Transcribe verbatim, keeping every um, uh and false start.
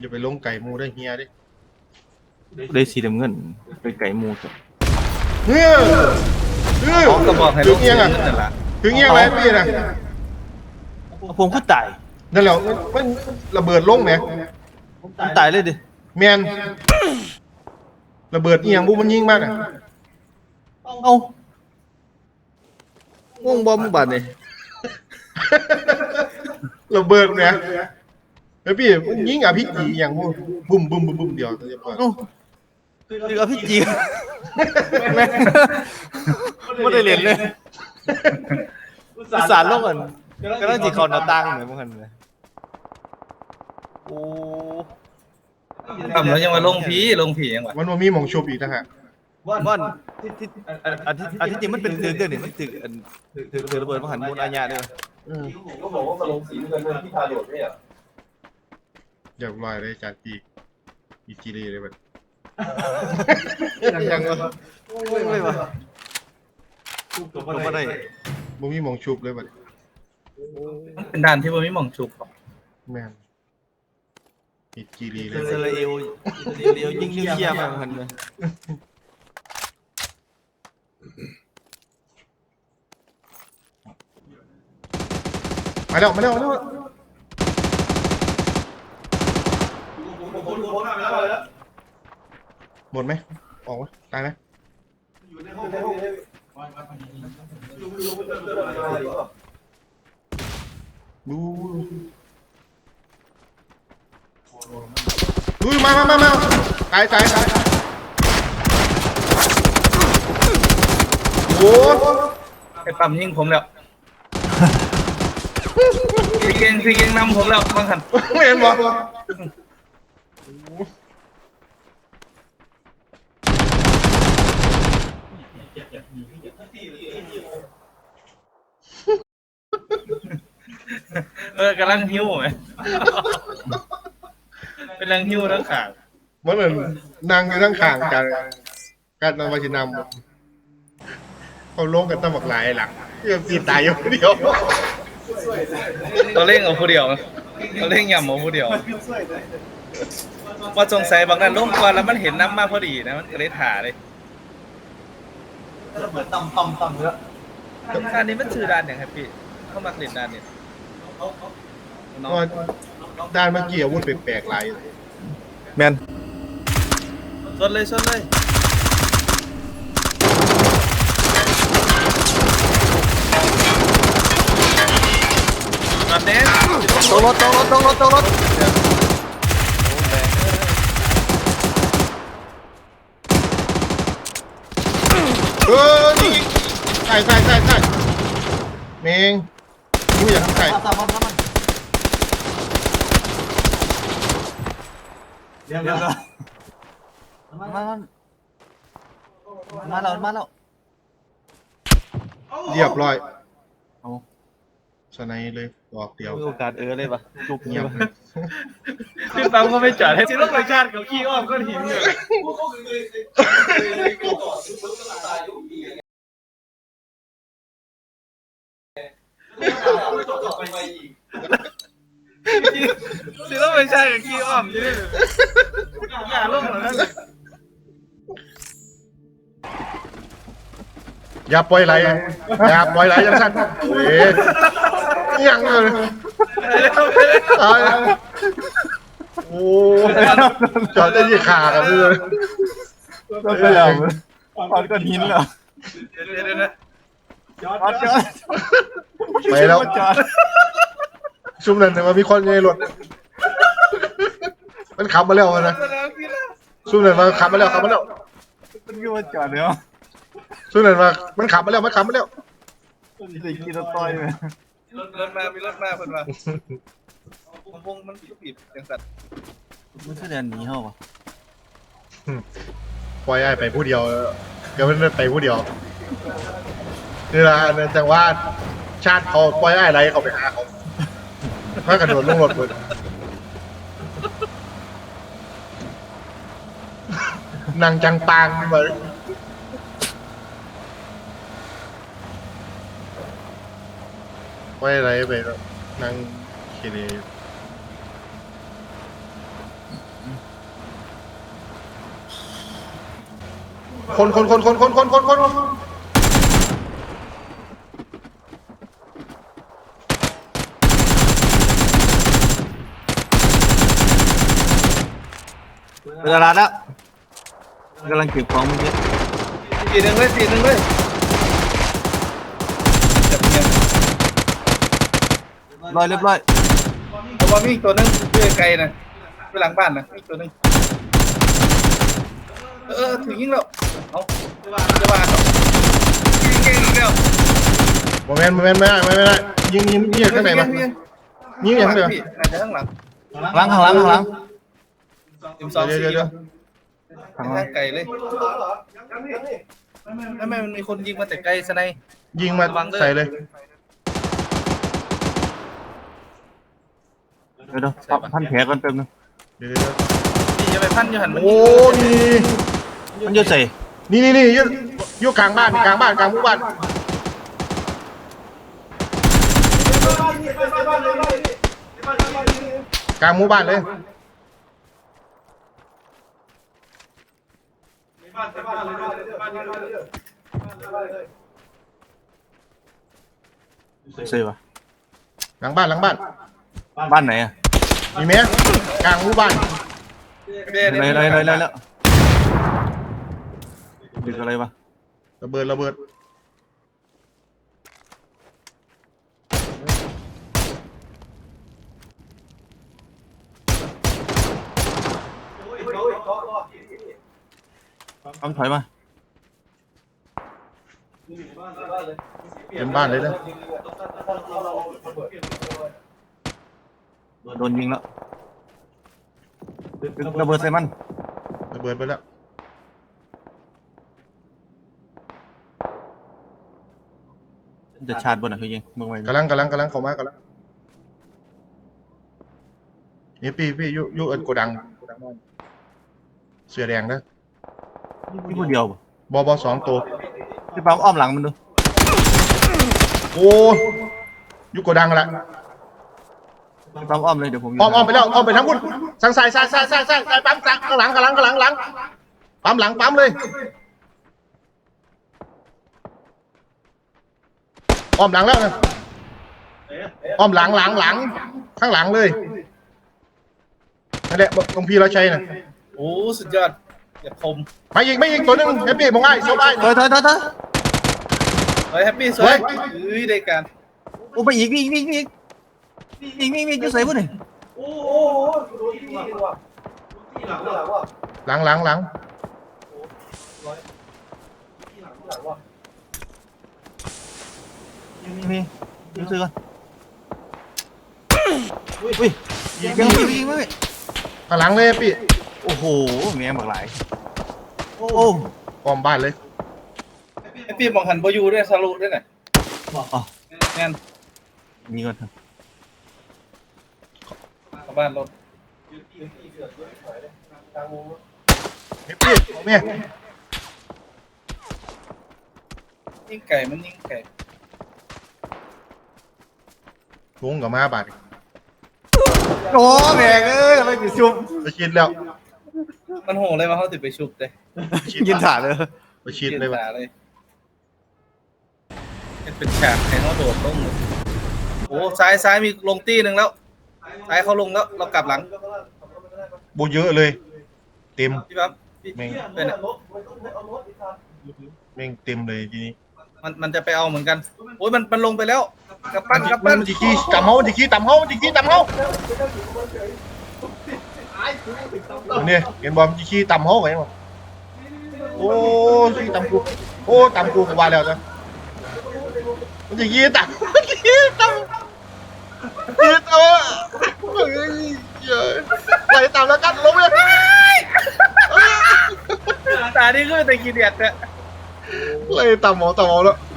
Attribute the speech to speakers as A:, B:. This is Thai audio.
A: อย่าไปลงไก่มูได้เฮียดิ
B: ได้สีน้ำเงินเป็นไก่มูจ้ะ
A: เฮ้ยเฮ้ย
C: เขาก็บอกให้
A: ถึ
C: ลู
A: ง
C: ก
A: เอียงอ่ะ
C: นั่นแหละ
A: ถึงเอียงไรพี่นะ
B: ผมก็ตาย
A: นั่นแหละมันมันระเบิดลงไหม
B: ผมตายเลยดิ
A: แมนระเบิดเอียงบุมันยิงมากอ่ะ
B: เอ้าง่วงบอมบาดนี่
A: ระเบิดเนี่ยแล้วพี่มันยิงอ่ะพี่จีอย่างบุบุ้มบุ้มบุ้มบุ้มเดียวเรียบร้อย
B: เอ้าคือเอาพี่จีแม่ไม่ได้เรียนเลยอุตส่าห์ลงกันก็ต้องจีเขาหน้าตั้งเหมือนพวกกันเลยโอ้
C: ทำแล้วยังมาลงผีลงผียังวะ
A: มันว่ามีหมองชุบอีกนะฮะ
B: ว่านที่ที่อันที่อันที่จริงมันเป็นเรื่องเนี่ยมันถึงอันถึงถึงระเบิดมหันต์มูลอาญาด้วย
A: อืม
D: ก็บอกว่ามาลงสีเงินเงินที่พาโดดไม่เหรอ
A: เรียบร้อยเลยจานปีอีจีรีเลยแบบ
B: ยังวะไม่วะผมไม่ได้
A: บ่มีหมองชุบเลยแบบ
C: มันเป็นด่านที่มันไม่มองชุบหรอก
A: แมนอีจีรีเล
B: อิ
A: ย
B: สราเอลอิสราเอลยิงนิวเคลียร์มาเหมือนกันเลย
A: มาแล้วมาแล้วมาแล้วหมดไหมออกไหมตายไหมดูดูมามามามาตายตายตายโอ้
C: ไอ้ปั๊มยิงผมแล้วพี่เก่งพี่เก่งนำผมแล้วบางคัน
A: ไม่เห็นบอก
C: เออกำลังหิ้วไหมเป็นลังหิ้วทั้งขาง
A: มันเหมือนนางอยู่ทั้งข้างกันการนำมาชินำเขาลงกันตั้งหมกหลายหลังเพื่อตีตายอยู่คนเดียว
C: ตัวเล่งเอาผู้เดียวตัวเล่งย่ำเอาผู้เดียวว่าสงสัยบางนั้นลงก่อนแล้วมันเห็นน้ำมากพอดีนะมันก็เลยถ่าเลยเหมือนต่ำต่ำต่ำเยอะด้านนี้มันชื่อด้านอย่างครับพี่เข้ามาเล่นด้านนี้น้อง
A: ก็ด้านเมื่อกี้อาวุธแปลกๆหลาย
B: แมน
C: ชนเลยชนเลยมาเต้น
B: ตกรถตกรถตกรถตกรถ
A: เออนี่ใส่ใส่ใส่ใส่เมงกูอยากใส่
B: เดี๋ยวเดี๋ยวมามามาแล้วมาแล้ว
A: เรียบร้อย
B: เอา
A: สไนเลยดอกเดียว
B: มีโอกาสเออเลยปะจุก
A: เงี
B: เงี
A: ย
B: ย
A: บบ เลย
C: พี่ปั๊มก็ไม่จอดให้สิรถประชาติเขาขี้อ้อมก้อนหินอยู่สิรถประชาติกับขี้อ้อมอยู่นี่อย่าลงหรอกนะ
A: อย่าปล่อยไหลอย่าปล่อยไหลยังสั้นเอ๊ะยังเลยตายโอ้จอดได้ยี่ขากันเลย
B: ก็ไปแล้วปอนก้อนหินเหรอ
C: เดี๋ยวๆนะ
B: จอดจอด
A: ไปแล้ว
B: จอด
A: ซุ่มนั่นแต่ว่ามีคนอยู่ในรถมันขับมาแล้วนะซุ่มนั่นมาขับมาแล้วขับมาแล้ว
B: มันก็มาจอดเดี๋ยว
A: ซุ่มนั่นมามันขับมาแล้วมันขับมาแล้ว
B: จะกินตัวต้อยไหม
C: รถรถมามีรถมาเพิ่นว่าผมพงมันปิดจังสัตว์
B: มันคือเดินหนีเหรอวะ
A: ปล่อยไอ้ไปผู้เดียวเดี๋ยวมันไปผู้เดียวนี่ละอันนั้นจังว่าชาติเขาปล่อยไอ้ไรเขาไปหาเขาถ้ากระโดดลงรถเลยนางจังปางมาปล่อยอะไรไปแล้วนางเคเลคนคนคนคนคนคนคนคน
B: เวลาแล้วกำลังเก็บของเมื่อกี้
C: ตีหนึ่งเลยตีหนึ่งเลยจับเงียบ
B: ร้อยเรียบร้อย
C: แต่ว่ามีอีกตัวนึงเพื่อไกลนะไปหลังบ้านนะอีกตัวนึงเออถึงยิงแล้วเอาจะว่ายิงเก่งอีกแล้ว
A: โมเมนต์โมเมนต์ไม่ได้ไม่ได้ยิงยิงยิงข้างไหนมายิงอย่างเดียว
C: อาจจะข้างหลัง
B: หลังข้างหลังข้างหลัง
C: สิบสอง
A: เดี๋ยว
C: สี่
A: เดี๋ยวเดี๋ยว
B: ข้างหลั
C: ทาง งไกลเลยไม่ไม่มันมีคนยิงมาแต่ไกลสไน
A: ยิงมาใส่เลย
B: เดี๋ยวเดี๋ยวพันแผลก่อนแป๊บนึง
A: เดี๋ยวเดี๋ยว
C: นี่จะไปพันอยู่หันมัน
A: โอ้นี่
B: มันจะใส่
A: นี่นี่นี่อยู่อยู่กลางบ้านกลางบ้านกลางหมู่บ้านกลางหมู่บ้านเลย
B: ใส่ปะ
A: หลังบ้านหลังบ้าน
B: บ้านไหนอ่ะ
A: มีไหมกลางหมู่บ้าน
B: อะไรอะไรอะไรอะไรแล้วดึกอะไรปะ
A: ระเบิดระเบิด
B: ทำถอยมา
A: เต็มบ้านเลยนะ
B: โดนยิงแล้วระเบิดใส่มัน
A: ระเบิดไปแล้ว
B: จะชาร์จบนอ่ะคือยิงมึงไว้
A: กำลังกำลังกำลังเข้ามากำลังนี่พี่พี่ยุยุเอินโกดังเสือแดงนะ
B: พี่ผู้เดียวปะ
A: บอบอสองตัว
B: พี่ปั๊มอ้อมหลังมันดู
A: โอ้ยุโกดังละ
B: พี่ปั๊มอ้อมเลยเดี๋ยวผมยู่
A: อ้อมอ้อมไปแล้วอ้อมไปทั้งบุญสั่งสายสายสายสายสายสายปั๊มสั่งข้างหลังข้างหลังข้างหลังหลังปั๊มหลังปั๊มเลยอ้อมหลังแล้วนะอ้อมหลังหลังหลังข้างหลังเลยนั่นแหละตรงพี่เราใช้น่ะ
C: โอ้สุดยอดอย่าคม
A: ไม่ยิงไม่ยิงตัวหนึงแฮปปี้มองง่ายสบาย
B: ถอยถอยถอยถอย
C: เฮ้ยแฮปปี้สวยเฮ้ยได้การ
B: โอ้ไปอีกอีกอีกอีกอีกอีกอีกจะใส่ปุ่นนี่
D: โอ้โหดูที่นี่ดีกว่าที่หลังหลังว่ะ
A: หลังหลังหลัง
D: ที่หลังหลังว่ะ
B: มีมียิงซื้อก่อนอุ้ยยิงยิงยิงไม่
A: ข้างหลังเลยแฮปปี้
B: โอ้โหแม่งบักหลายโอ้
A: อ้อมบ้านเลย
C: แฮปปี้มองหันโบอยูด้วยสรุปด้วยน่ะ
B: อ๋อ
C: งั้น
B: นี่ก่อนเถอะ
C: เข้าบ้านรถ
A: แฮปปี้เอาเนี่ย
C: ยิงไก่มันยิงไก่
A: ลุงกับมาบาด
B: โอ้แม่งเอ้ยอะไรกิชุบ
A: ไปชิดแล้ว
C: มันโหเลยว่าเขาติดไปชุบเลย
B: ยินถ่าเลย
A: ไปชิดเลย
C: ว่ะ
A: ว่ะ
C: เลยเป็นฉากให้เขาโดดลงเลยโอ้ซ้ายซ้ายมีลงตี้หนึ่งแล้วซ้ายเขาลงแล้วเรากลับหลัง
A: บูเยอะเลย เต็ม
C: พี่ปั๊บพี่
A: แม่ง
C: เป็นอะ
A: แม่งเต็มเลยทีนี้
C: มันมันจะไปเอาเหมือนกันโอ้ยมันมันลงไปแล้วกลับปั้นกลับ
A: มั
C: ปั้
A: น
C: น
A: จิกี้ต่ำเฮาจิกี้ต่ำเฮาจิกี้ต่ำเฮาเนี่ยเห็นบอลจิกี้ต่ำเฮาไงวะโอ้จิกี้ต่ำกูโอ้ต่ำกูก็ว่าแล้วจ้ะมันจิกี้ต่ำจิกี้ต่ำจิกี้ต่ำเฮ้ยเยอะไหลต่ำแล้วกันลงเลย
C: ตานี่คือแต่กีเดียดเนี่ย
A: ไหลต่ำหมอต่ำหมอแล้ว